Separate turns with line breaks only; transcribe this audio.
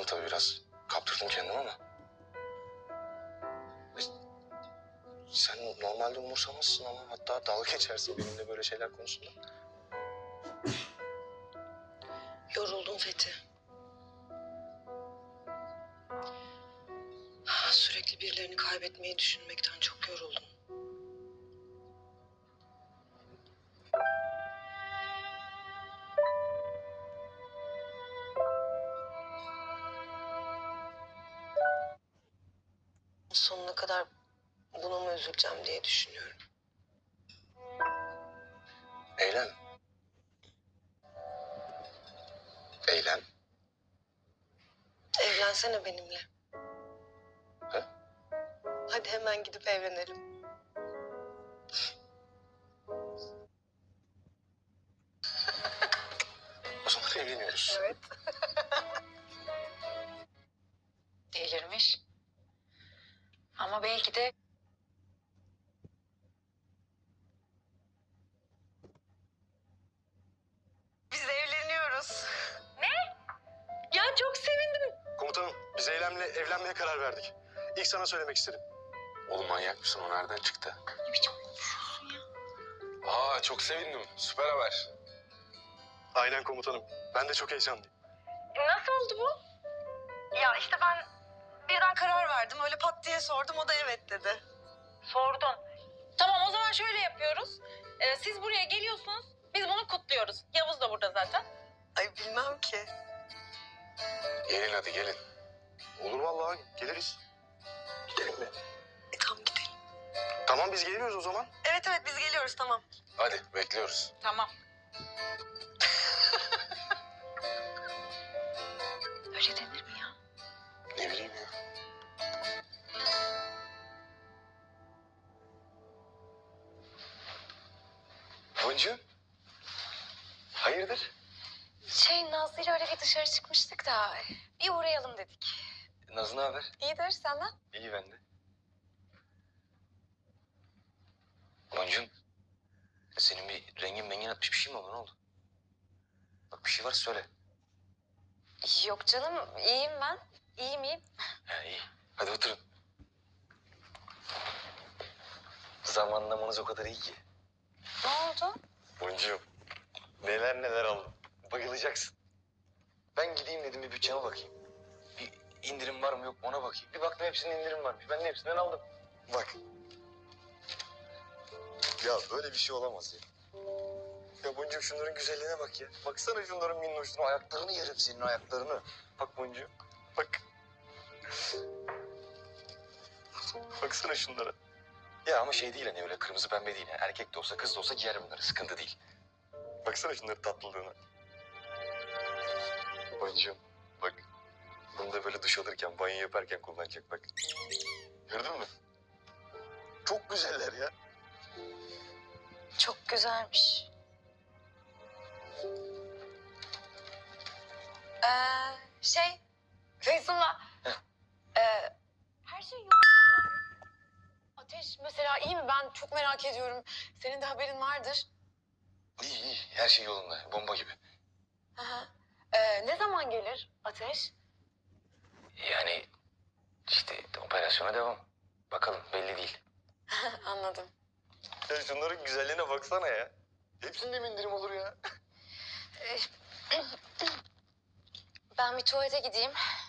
tabii biraz kaptırdım kendimi ama. E, Sen normalde umursamazsın ama hatta dalga geçersin benimle böyle şeyler konusunda.
Yoruldum Fethi. Sürekli birilerini kaybetmeyi düşünmekten çok yoruldum. Sonuna kadar buna mı üzüleceğim diye düşünüyorum.
Eylem. Eylem.
Evlensene benimle.
He?
Hadi hemen gidip evlenelim.
O zaman evleniyoruz.
Evet.
Delirmiş. Ama belki de
Biz evleniyoruz. Ne? Ya çok sevindim.
Komutanım biz Eylem'le evlenmeye karar verdik. İlk sana söylemek istedim. Oğlum manyak mısın? O nereden çıktı?
ne biçim konuşuyorsun ya?
Aa çok sevindim. Süper haber. Aynen komutanım. Ben de çok heyecanlıyım.
Nasıl oldu bu? Ya işte ben birden karar verdim. Öyle pat diye sordum. O da evet dedi.
Sordun. Tamam o zaman şöyle yapıyoruz. Siz buraya geliyorsunuz. Biz bunu kutluyoruz. Yavuz da burada zaten.
Ay bilmem ki.
Gelin hadi gelin. Olur vallahi geliriz. Gidelim mi?
Tamam gidelim.
Tamam biz geliyoruz o zaman.
Evet evet biz geliyoruz tamam.
Hadi bekliyoruz.
Tamam. Öyle denir mi ya?
Ne bileyim ya. Boncuğum. Hayırdır?
Nazlı ile öyle bir dışarı çıkmıştık da bir uğrayalım dedik.
Nazlı ne haber?
İyidir senden.
İyi ben de. Boncuğum. Senin bir rengin atmış bir şey mi oldu? Ne oldu? Bak bir şey varsa söyle.
Yok canım iyiyim ben. İyiyim.
He iyi. Hadi oturun. Zamanlamanız o kadar iyi ki.
Ne oldu?
Boncuğum. Neler aldım. Bayılacaksın. Ben gideyim dedim bir bütçeme bakayım. Bir indirim var mı yok mu ona bakayım. Bir baktım hepsinin indirim varmış. Ben de hepsinden aldım. Bak. Ya böyle bir şey olamaz ya. Ya Boncuğum şunların güzelliğine bak ya. Baksana şunların minnoşluğuna. Ayaklarını yerim senin ayaklarını. Bak Boncuğum. Bak. Baksana şunlara. Ya ama şey değil hani öyle kırmızı pembe değil. Yani erkek de olsa kız da olsa giyer bunları. Sıkıntı değil. Baksana şunların tatlılığına. Boncuğum bak. Bunu da böyle duş alırken, banyo yaparken kullanacak bak. Gördün mü? Çok güzeller ya.
Çok güzelmiş. Feyzullah. Her şey yolunda mı? Ateş mesela iyi mi? Ben çok merak ediyorum. Senin de haberin vardır.
İyi. Her şey yolunda. Bomba gibi.
Aha. Ne zaman gelir Ateş?
Yani işte operasyona devam. Bakalım belli değil.
Anladım.
Ya şunların güzelliğine baksana ya. Hepsinde mi indirim olur ya?
Ben bir tuvalete gideyim.